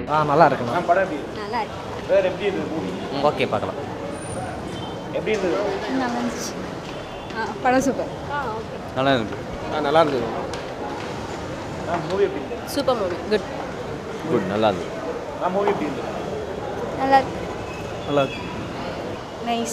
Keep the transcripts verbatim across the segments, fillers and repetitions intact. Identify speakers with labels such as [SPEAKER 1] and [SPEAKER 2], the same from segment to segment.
[SPEAKER 1] ஆ நல்லா இருக்குண்ணா.
[SPEAKER 2] நான் படம் எப்படி
[SPEAKER 3] நல்லா இருக்கு.
[SPEAKER 2] வேறு எப்படி இருந்தது மூவி
[SPEAKER 1] ஓகே பார்க்கலாம்.
[SPEAKER 2] எப்படி இருந்தது
[SPEAKER 3] நல்லா இருந்துச்சு. ஆ படம் சூப்பர். ஆ ஓகே.
[SPEAKER 1] நல்லா இருக்கு.
[SPEAKER 2] ஆ நல்லா இருந்தது நான் மூவி எப்படி இருந்தது
[SPEAKER 3] சூப்பர் மூவி. குட்.
[SPEAKER 1] குட் நல்லா இருக்கு.
[SPEAKER 2] நான் மூவி எப்படி இருந்தது
[SPEAKER 3] நல்லா இருக்கு.
[SPEAKER 1] நல்லா இருக்கு.
[SPEAKER 3] நைஸ்.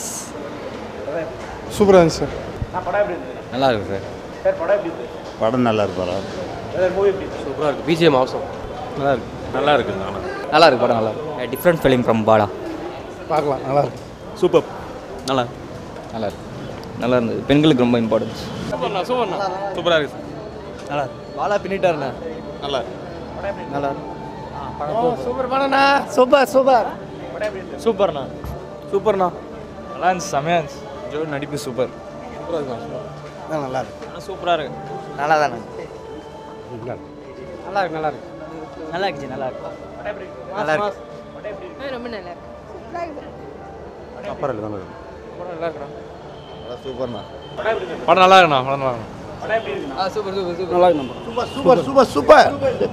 [SPEAKER 4] சூப்பராக இருந்துச்சு சார்.
[SPEAKER 2] நான் படம் எப்படி இருந்தது
[SPEAKER 1] நல்லா இருக்கு சார்.
[SPEAKER 2] சார் படம் எப்படி இருந்தது
[SPEAKER 4] படம் நல்லா இருக்கு படம்.
[SPEAKER 2] வேறு மூவி எப்படி இருந்தது
[SPEAKER 1] சூப்பராக இருக்கு. பிஜிஎம் அவசரம். நல்லா இருக்கு. நல்லா இருக்கு. நல்லா இருக்கு படம் நல்லா இருக்கு. Different film from Bala.
[SPEAKER 4] பார்க்கலாம் நல்லா இருக்கு.
[SPEAKER 1] சூப்பர். நல்லா இருக்கு. நல்லா இருக்கு. நல்லா இருந்தது. பெண்களுக்கு ரொம்ப இம்பார்ட்டன்ஸ்.
[SPEAKER 2] சூப்பர்ண்ணா சூப்பர்ண்ணா
[SPEAKER 1] சூப்பராக இருக்கு. நல்லா இருக்கு. பாலா பின்னிட்டாருண்ணா.
[SPEAKER 4] நல்லா இருக்கு.
[SPEAKER 1] நல்லா இருக்கு.
[SPEAKER 2] சூப்பர் படம்ண்ணா
[SPEAKER 1] சூப்பர் சூப்பர்
[SPEAKER 2] படம் எப்படி இருந்தது
[SPEAKER 1] சூப்பர்ண்ணா. சூப்பர்ண்ணா. நல்லா இருந்துச்சு. செமையாக இருந்துச்சு. ஜோ நடிப்பு சூப்பர்.
[SPEAKER 4] நல்லா இருக்கு.
[SPEAKER 1] சூப்பராக இருக்கு. நல்லா தானே.
[SPEAKER 2] நல்லா இருக்கு நல்லா இருக்கு
[SPEAKER 1] நல்லா இருக்குச்சு. நல்லா இருக்கு.
[SPEAKER 2] படம் எப்படி இருக்கு
[SPEAKER 1] நல்லா இருக்கு.
[SPEAKER 2] படம் எப்படி இருக்கு
[SPEAKER 3] ரொம்ப நல்லா இருக்கு.
[SPEAKER 4] அப்புறம் இல்லை நல்லா இருக்கு.
[SPEAKER 2] படம் நல்லா இருக்குண்ணா
[SPEAKER 4] நல்லா சூப்பர்ண்ணா.
[SPEAKER 2] படம் எப்படி இருந்தது
[SPEAKER 1] படம் நல்லா இருக்குண்ணா. படம் நல்லா இருக்கு.
[SPEAKER 2] படம் எப்படி இருக்குண்ணா
[SPEAKER 1] ஆ சூப்பர் சூப்பர் சூப்பர்.
[SPEAKER 4] நல்லா இருக்கு. Super super super super.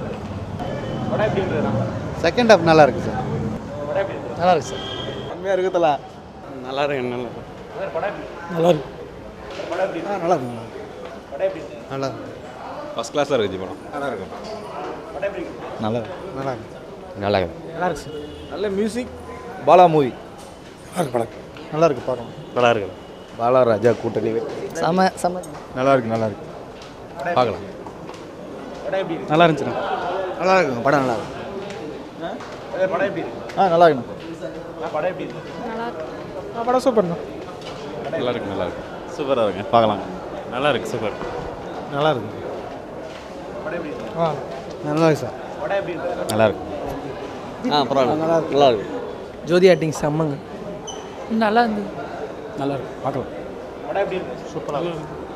[SPEAKER 2] படம் எப்படி இருந்ததுண்ணா
[SPEAKER 4] செகண்ட் ஹாஃப் நல்லா இருக்கு சார்.
[SPEAKER 2] படம் எப்படி இருந்தது
[SPEAKER 1] நல்லா இருக்கு சார்.
[SPEAKER 4] கம்மியாக இருக்குதுல. நல்லா இருக்கு நல்லா இருக்கு.
[SPEAKER 2] சார் படம் எப்படி
[SPEAKER 4] நல்லா இருக்கு.
[SPEAKER 2] சார் படம் எப்படி இருந்தது
[SPEAKER 4] நல்லா இருக்கு.
[SPEAKER 2] படம் எப்படி இருந்தது
[SPEAKER 4] நல்லா இருக்கு.
[SPEAKER 1] ஃபஸ்ட் கிளாஸாக இருக்குது படம்.
[SPEAKER 4] நல்லா இருக்கும்.
[SPEAKER 2] படம் எப்படி இருக்கு
[SPEAKER 1] நல்லா இருக்கு.
[SPEAKER 4] நல்லா இருக்கு.
[SPEAKER 1] நல்லா இருக்கு.
[SPEAKER 4] நல்லா இருக்கு சார்.
[SPEAKER 1] நல்ல மியூசிக். பாலா மூவி
[SPEAKER 4] நல்லா இருக்கு படம். நல்லா இருக்கு பார்க்கலாம்.
[SPEAKER 1] நல்லா இருக்கு.
[SPEAKER 4] பாலா ராஜா கூட்டணி
[SPEAKER 1] செம செம
[SPEAKER 4] நல்லா இருக்கு நல்லா இருக்கு.
[SPEAKER 1] பார்க்கலாம்.
[SPEAKER 2] படம் எப்படி இருக்கு
[SPEAKER 1] நல்லா இருந்துச்சுண்ணா.
[SPEAKER 4] நல்லா இருக்குங்க படம் நல்லா இருக்கு.
[SPEAKER 2] சார் படம் எப்படி இருக்கு
[SPEAKER 4] ஆ நல்லா இருக்குண்ணா.
[SPEAKER 2] நான் படம் எப்படி இருக்கு
[SPEAKER 3] நல்லா இருக்கு.
[SPEAKER 4] படம் சூப்பர்ண்ணா.
[SPEAKER 1] நல்லா இருக்கு. நல்லா இருக்கு. சூப்பராக இருக்குங்க. பார்க்கலாம். நல்லா இருக்கு. சூப்பர்.
[SPEAKER 4] நல்லா இருக்கு.
[SPEAKER 2] படம் எப்படி இருக்கு
[SPEAKER 4] ஆ நல்லா இருக்கு சார்.
[SPEAKER 2] படம் எப்படி இருக்கு
[SPEAKER 1] நல்லா இருக்கு. ஆ பரவாயில்ல. நல்லா இருக்கு. நல்லா இருக்கு.
[SPEAKER 5] ஜோதி ஆக்டிங் செம்மங்க. நல்லா இருந்தது.
[SPEAKER 4] நல்லா இருக்கு பார்க்கலாம்.
[SPEAKER 2] படம் எப்படி இருக்கு சூப்பராக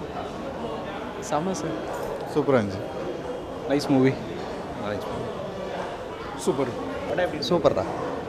[SPEAKER 5] செம்ம சார்.
[SPEAKER 4] சூப்பராக இருந்துச்சு.
[SPEAKER 1] Nice movie.
[SPEAKER 4] சூப்பர்.
[SPEAKER 2] படம் எப்படி இருக்கு
[SPEAKER 4] சூப்பர்டா.